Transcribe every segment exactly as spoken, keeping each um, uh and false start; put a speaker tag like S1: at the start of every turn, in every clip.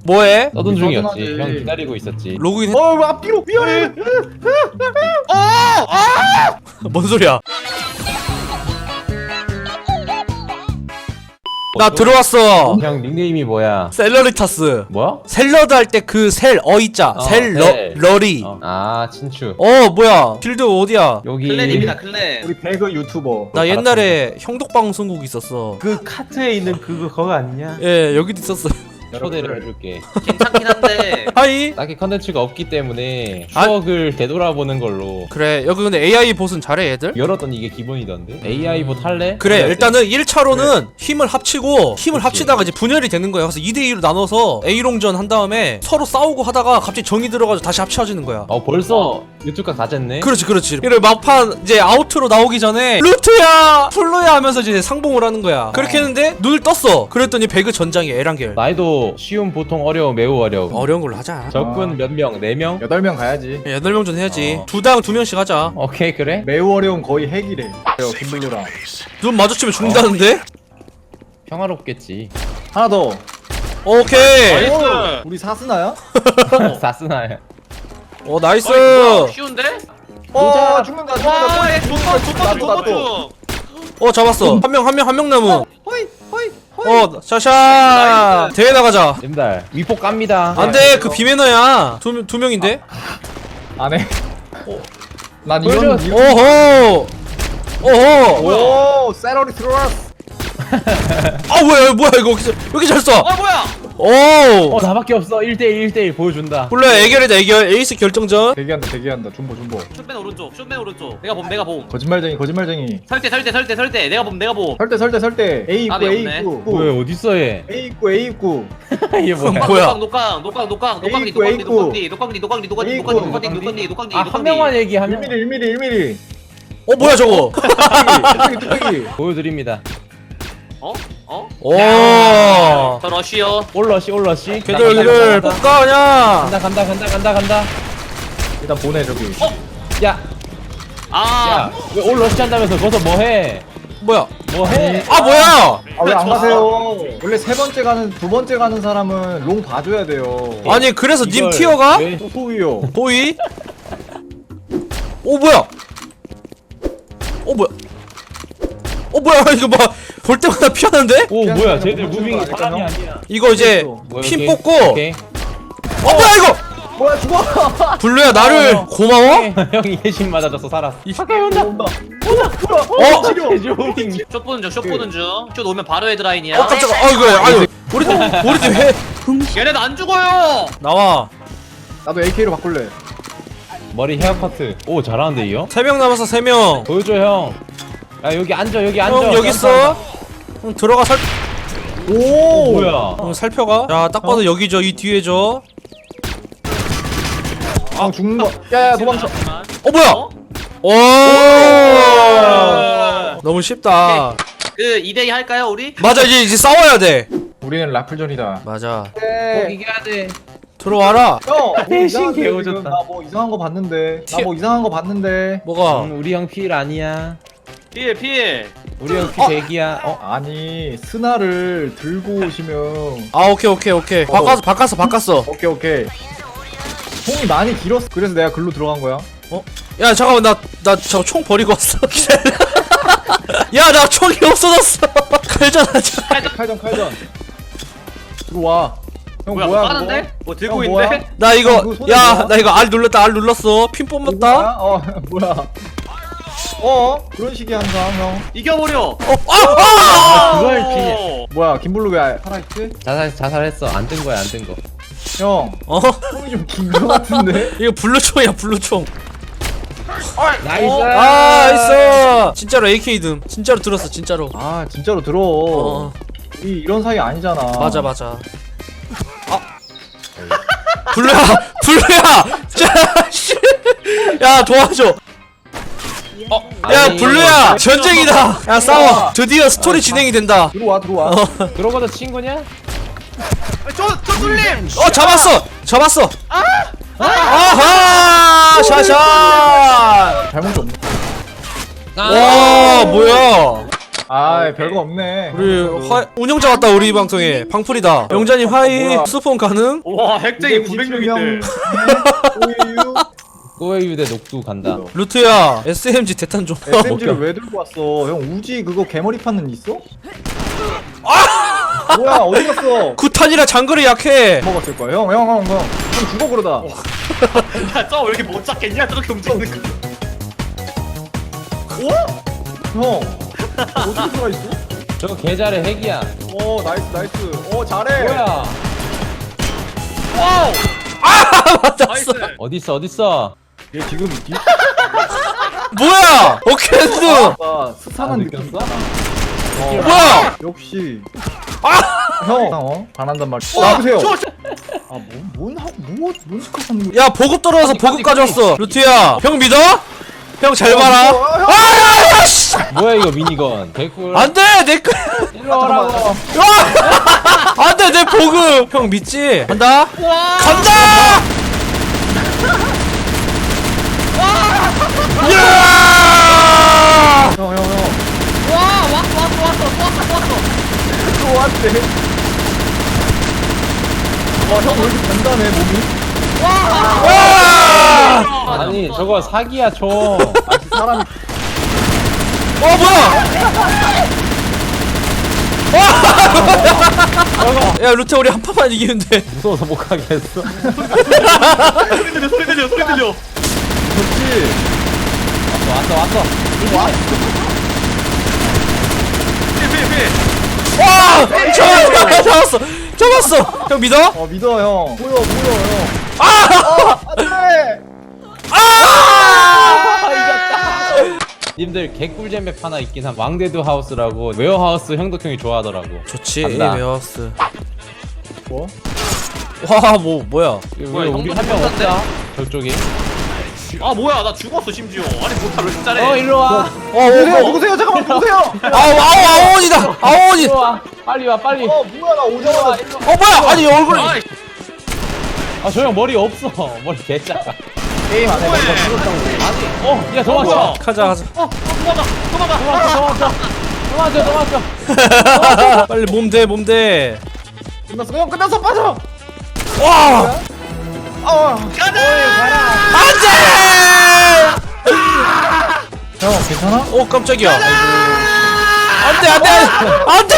S1: 뭐해?
S2: 떠든 중이었지.
S3: 떠든하지.
S2: 형 기다리고 있었지.
S1: 로그인 했...
S3: 어 앞뒤로 위험해.
S1: 뭔 소리야? 나 들어왔어.
S2: 형 닉네임이 뭐야?
S1: 셀러리타스.
S2: 뭐야?
S1: 샐러드 할 때 그 셀 어이자
S2: 어,
S1: 셀러
S2: 셀.
S1: 러리.
S2: 어. 아 친추.
S1: 어 뭐야? 필드 어디야?
S2: 여기
S4: 클랜입니다 클랜.
S3: 우리 배그 유튜버.
S1: 나 옛날에 형독방송국 있었어.
S2: 그 카트에 있는 그거 그거 아니냐?
S1: 예 여기도 있었어.
S2: 초대를 해줄게.
S4: 괜찮긴 한데
S1: 하이.
S2: 딱히 컨텐츠가 없기 때문에
S1: 아.
S2: 추억을 되돌아보는 걸로.
S1: 그래 여기 근데 에이아이 보스는 잘해 얘들.
S2: 열었더니 이게 기본이던데. 에이아이 봇 할래?
S1: 그래
S2: 할래?
S1: 일단은 일 차로는 힘을 합치고 힘을
S2: 그치.
S1: 합치다가 이제 분열이 되는 거야. 그래서 이 대 이로 나눠서 A롱전 한 다음에 서로 싸우고 하다가 갑자기 정이 들어가지고 다시 합쳐지는 거야.
S2: 어 벌써 유튜브가 다 쟀네.
S1: 그렇지 그렇지. 그래 막판 이제 아우트로 나오기 전에 루트야 플로야 하면서 이제 상봉을 하는 거야. 그렇게 했는데 눈을 떴어. 그랬더니 배그 전장이 에란겔.
S2: 난이도 쉬움, 보통, 어려움, 매우 어려움.
S1: 어려운 걸로 하자.
S2: 적군 몇 명? 네 명?
S3: 여덟 명 가야지.
S1: 여덟 명 전 해야지.
S2: 어.
S1: 두당 두 명씩 하자.
S2: 오케이 그래?
S3: 매우 어려운 거의 핵이래. 그래요 김블루랑.
S1: 눈 마주치면 죽는다는데?
S2: 평화롭겠지.
S3: 하나 더.
S1: 오케이.
S4: 나이스.
S3: 오, 우리 사스나야?
S2: 사스나야.
S1: 어 나이스.
S4: 어이, 뭐야, 쉬운데?
S3: 어 죽는다 죽는다.
S4: 와, 얘 좋다 좋다
S3: 나도,
S4: 좋다
S3: 나도.
S4: 좀.
S1: 어 잡았어. 한 명 한 명 한 명 남은.
S3: 호이 호이 호이.
S1: 어 샤샤. 대회 나가자.
S2: 님들 위폭 깝니다.
S1: 안돼 그 비매너야. 두 두 명인데.
S3: 안 해. 난
S2: 보여줘.
S3: 이런
S1: 오호. 오호.
S3: 오 셀러리 들어왔어.
S1: 아 뭐야 뭐야 이거 왜 이렇게 잘 써?
S4: 아 뭐야?
S1: 오.
S2: 어 나밖에 없어. 일 대일 일 대일 보여준다.
S1: 몰라 애결이다 애결 에이스 결정전.
S3: 대기한다 대기한다 준보 준보.
S4: 숏맨 오른쪽 숏맨 오른쪽. 내가 봄 내가 봄.
S3: 거짓말쟁이 거짓말쟁이.
S4: 설대 설대 설대 설대. 내가 봄 내가 봄.
S3: 설대 설대 설대. A
S4: 아,
S3: 입구
S4: 네,
S3: A
S4: 없네.
S3: 입구.
S2: 왜 어딨어 얘?
S3: A 입구 A 입구.
S2: 이게 뭐야?
S1: 뭐야?
S4: 녹강 녹강 녹강 녹강디
S3: 에이쿠,
S4: 녹강디
S3: 에이쿠.
S4: 녹강디 녹강디 녹강디 녹강디
S3: 에이쿠.
S4: 녹강디 녹강디 녹강디 녹강디
S2: 아 한 명만 얘기 한
S3: 일
S2: 명.
S3: 밀리 일 밀리 일 밀리.
S1: 어 뭐야 저거?
S3: 뚝배기 뚝배기 뚝배기.
S2: 보여드립니다.
S4: 어? 어?
S1: 오.
S4: 저 러쉬요.
S2: 올러시 올러시.
S1: 걔들 걔들 뽑가 그냥.
S2: 간다 간다 간다 간다 간다.
S3: 일단 보내 저기.
S2: 야,
S4: 아.
S2: 야왜 올러시 한다면서 거기서 뭐해?
S1: 뭐야?
S2: 뭐해?
S1: 아 뭐야?
S3: 아 왜 안 가세요? 원래 세 번째 가는 두 번째 가는 사람은 롱 봐줘야 돼요.
S1: 아니 그래서 님
S2: 이걸
S1: 티어가
S2: 왜-
S3: 소위요.
S1: 보이? 오 뭐야? 어 뭐야? 어 뭐야 이거 뭐 볼 때마다 피하는데?
S2: 오
S3: 그냥
S2: 뭐야?
S3: 그냥
S2: 쟤들
S3: 멈추는
S2: 무빙이
S3: 거
S2: 사람이
S3: 아닐까요?
S2: 아니야.
S1: 이거 이제
S2: 뭐야,
S1: 핀
S2: 오케이.
S1: 뽑고.
S2: 오케이.
S1: 어 뭐야 이거?
S3: 뭐야 죽어.
S1: 블루야 나를
S2: 어.
S1: 고마워?
S2: 형이 예신 맞아줘서 살았어.
S3: 가까이 온다. 온다. 온다.
S1: 어?
S3: 치료.
S2: 개조링.
S4: 숏 보는 중숏 보는 중. 숏 오면 바로 헤드라인이야.
S1: 어 깜짝아. 아 이거 아유 우리 팀 우리 팀 해.
S4: 얘네도 안 죽어요.
S1: 나와.
S3: 나도 에이케이로 바꿀래.
S2: 머리 헤어커트. 오 잘하는데 이 형?
S1: 세 명 남았어 세 명.
S2: 보여줘 형. 야 여기 앉아 여기 앉아.
S1: 형 여기 있어. 형 들어가 살.
S3: 오.
S2: 뭐야?
S1: 형 살펴가. 야 딱 봐도 여기죠 이 뒤에죠.
S3: 아 죽는 거. 야야 도망쳐.
S1: 어 뭐야?
S4: 어?
S1: 오.
S4: 어.
S1: 너무 쉽다.
S4: 그 이 대 이 할까요 우리?
S1: 맞아 이제 이제 싸워야 돼.
S3: 우리는 라플전이다.
S1: 맞아.
S2: 꼭
S3: 네.
S2: 이겨야 돼.
S1: 들어와라.
S3: 형. 뭐
S2: 대신
S3: 이상한데,
S2: 개오졌다.
S3: 지금. 나 뭐 이상한 거 봤는데.
S1: 티-
S3: 나 뭐 이상한 거 봤는데.
S1: 뭐가?
S2: 음, 우리 형 필 아니야.
S4: 필 필.
S2: 우리 형 필 대기야. 어?
S3: 아니 스나를 들고 오시면.
S1: 아 오케이 오케이 오케이. 바꿨어 바꿨어 바꿨어.
S3: 오케이 오케이. 총이 많이 길었어. 그래서 내가 글로 들어간 거야.
S1: 야 잠깐만 나 나 저 총 버리고 왔어. 야 나 총이 없어졌어. 칼전하자.
S3: 칼전 칼전. 들어와. 형
S4: 뭐야
S3: 뭐야?
S4: 뭐 하는데? 뭐 들고
S3: 형,
S4: 있는데?
S3: 뭐야?
S1: 나 이거
S3: 형, 그거 손에
S1: 야
S3: 뭐야?
S1: 나 이거 R 눌렀다 R 눌렀어. 핀
S3: 그거?
S1: 뽑았다.
S3: 뭐야? 어 뭐야? 어 그런 식이 항상 형.
S4: 이겨버려.
S1: 어 아! 아!
S2: 그걸
S4: 어.
S3: 뭐야 김블루 왜 살아있지?
S2: 자살 자살했어. 안 뜬 거야 안 뜬 거.
S3: 형
S1: 어?
S3: 총이 좀 긴 거 같은데?
S1: 이거 블루총이야 블루총.
S2: 나이스.
S1: 아 있어. 진짜로 에이케이 듬. 진짜로 들었어 진짜로.
S3: 아 진짜로 들어.
S1: 어
S3: 이 이런 사이 아니잖아.
S1: 맞아 맞아. 아 블루야 블루야. 자, 야 도와줘.
S4: 어.
S1: 야
S2: 아니,
S1: 블루야
S2: 이거-
S1: 전쟁이다. 야 싸워. 드디어 스토리 진행이 된다.
S3: 들어와 들어와.
S1: 어,
S2: 그러고도 친구냐?
S4: 저저 뚫림.
S1: 어 잡았어 잡았어. 아하 샤샤.
S3: 잘못이 없네.
S1: 와 뭐야?
S3: 아 별거 없네.
S1: 우리 화 운영자 왔다 우리 방송에 방풀이다. 영자님 하이
S3: 뭐야?
S1: 수폰 가능?
S4: 와 핵쟁이 구백 명 있대.
S3: 오유.
S2: 꼬웨유대 녹두 간다.
S1: 루트야 에스엠지 대탄 좀.
S3: 에스엠지를 왜 들고 왔어? 형 우지 그거 개머리 판는 있어? 뭐야 어디 갔어?
S1: 구탄이라 장거리 약해.
S3: 먹었을 거야. 형, 형, 형, 형. 형 죽어 그러다.
S4: 야, 저거 왜 이렇게 못 잡겠냐? 저렇게 움직이는 거.
S3: 형 어떻게 들어가 있어?
S2: 저거 개잘해 핵이야.
S3: 오 나이스 나이스. 오 잘해.
S2: 뭐야?
S4: 와우.
S1: 맞았어.
S4: 나이스.
S2: 어딨어 어딨어?
S3: 얘 지금 있지?
S1: 뭐야? 오케스.
S3: 아 스산한
S2: 아,
S3: 느낌.
S2: 느꼈어?
S3: 어,
S1: 뭐야?
S3: 역시. 형, 어? 반한단 말이야. 나보세요.
S4: 저, 저.
S3: 아뭔뭔뭔뭔 스카하는 거야?
S1: 야 보급 떨어져서 보급 가져왔어. 루트야 형 믿어? 형 잘 봐라.
S3: 어, 형.
S1: 아야 씨.
S2: 뭐야 이거 미니건? 개꿀.
S1: 안돼 내 거.
S2: 일로 와라고.
S1: 안돼 내 보급. 형 믿지? 간다. 간다. 야!
S3: 형, 형, 형.
S4: 와, 왔어, 왔어, 왔어, 왔어, 왔어.
S3: 또 왔대. 와, 형 왜 이렇게 단단해 몸이?
S1: 와!
S2: 아니 저거 사기야 총.
S3: 아, 사람이.
S1: 어 뭐야? 와! 야 루테 우리 한 판만 이기는데.
S2: 무서워서 못 가겠어.
S4: 소리 들려, 소리 들려, 소리 들려.
S3: 그렇지.
S2: 왔어 왔어.
S4: 피, 피, 피.
S1: 와! 잡았어! 잡았어! 잡았어! 형 믿어?
S3: 어 믿어 형. 보여 보여 형.
S1: 아!
S3: 안돼.
S1: 아!
S2: 님들 개꿀잼 맵 하나 있긴 한 왕대두 하우스라고 웨어하우스 형덕형이 좋아하더라고.
S1: 좋지
S2: 간다.
S1: 웨어하우스.
S3: 뭐?
S1: 와 뭐 뭐야?
S2: 왜
S4: 뭐야,
S2: 우리
S4: 형도
S2: 한 명
S4: 똑같네.
S2: 없다? 저쪽에.
S4: 아, 뭐야, 나 죽었어, 심지어. 아니, 못하, 왜 이렇게 잘해?
S2: 어 일로 와.
S1: 어
S3: 누구세요?
S1: 어,
S3: 누구세요? 잠깐만 누구세요?
S1: 아우 아우 아우원이다 아우원이.
S2: 일로 와. 빨리 와 빨리.
S3: 어 뭐야 나 오자마자.
S1: 어 뭐야? 아니 얼굴이.
S4: 아이,
S2: 아 저 형 머리 없어. 머리 개작아.
S3: 게임 안 해.
S4: 뭐해?
S2: 아니. 어, 야 도망쳐.
S4: 뭐야?
S1: 가자 가자.
S4: 어, 어, 도망가, 도망가.
S2: 도망쳐 도망쳐. 도망쳐 도망쳐.
S1: 빨리 몸 대 몸 대.
S3: 끝났어. 형 끝났어 빠져.
S1: 와!
S3: 어.
S1: 안돼!
S3: 형 괜찮아?
S1: 어 깜짝이야. 안돼 안돼 안돼!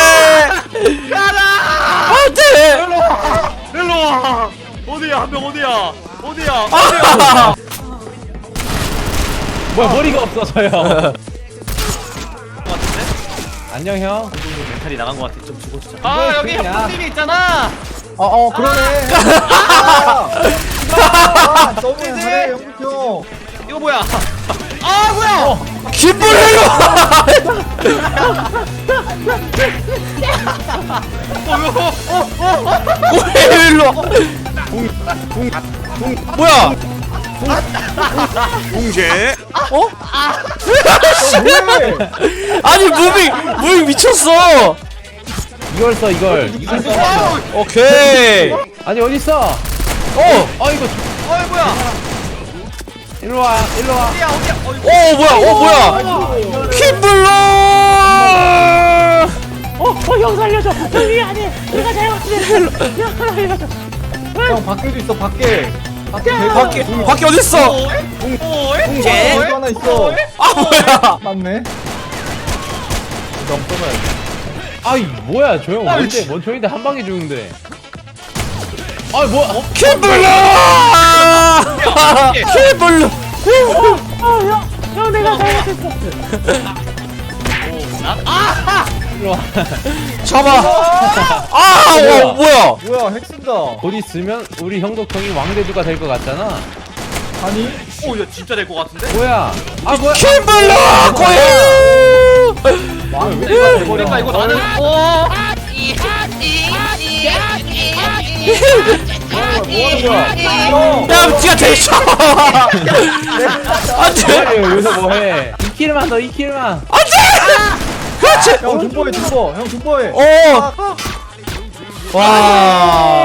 S1: 안돼!
S4: 일로 와. 어디야, 한 명 어디야? 어디야?
S1: 아!
S2: 뭐야 머리가 없어 저 형.
S4: 같은데?
S2: 안녕 형.
S4: 멘탈이 나간 것 같아. 좀 죽어주자. 아, 여기
S2: 그냥.
S4: 형님이 있잖아.
S3: 어어 그러네. 아, 아, 너무 잘해 영국 형.
S4: 이거 뭐야? 아, 뭐야?
S1: 김불리로! 고일로! 뭐야?
S4: 공개.
S1: 어?
S3: 뭐해?
S1: 아니 무빙 무빙 미쳤어.
S2: 이걸 써 이걸. 이걸 써.
S1: 오케이.
S2: 아니 어디 있어?
S1: 어.
S2: 어 이거
S4: 어이, 뭐야?
S2: 일로 와 일로 와.
S4: 어디야, 어디야? 어이,
S1: 오 뭐야? 오 뭐야? 김불로!
S5: 어형 살려줘 형이 아니 내가 잘못했어 형 살려줘
S3: 형 밖에도 있어 밖에. 밖에
S1: 밖에 밖에 어디 있어?
S3: 공개 하나 있어.
S1: 아 뭐야?
S3: 맞네. 좀 떠나야
S2: 아이 뭐야 저 형 뭔데 뭔 총인데 한 방에 죽는데. 아 뭐야? 어?
S1: 김불로! 김불로!
S5: 형 내가 잘못했어
S2: 일로 와.
S1: 잡아. 아, 어, 뭐야?
S3: 뭐야 핵 쓴다.
S2: 곧 있으면 우리 형덕형이 왕대주가 될 것 같잖아.
S3: 아니?
S4: 오, 야, 진짜 될 것 같은데?
S2: 뭐야? 아 뭐야?
S1: 김불로! 고일!
S4: 그러니까 이거 나는. 어.
S3: 뭐 하는 거야? 형.
S1: 야, 니가 대셔! 안 돼!
S2: 뭐해 여기서 뭐해? 이 킬만 더 이 킬만.
S1: 안 돼! 그렇지!
S3: 형 중보해 중보. 형 중보해.
S1: 어! 와.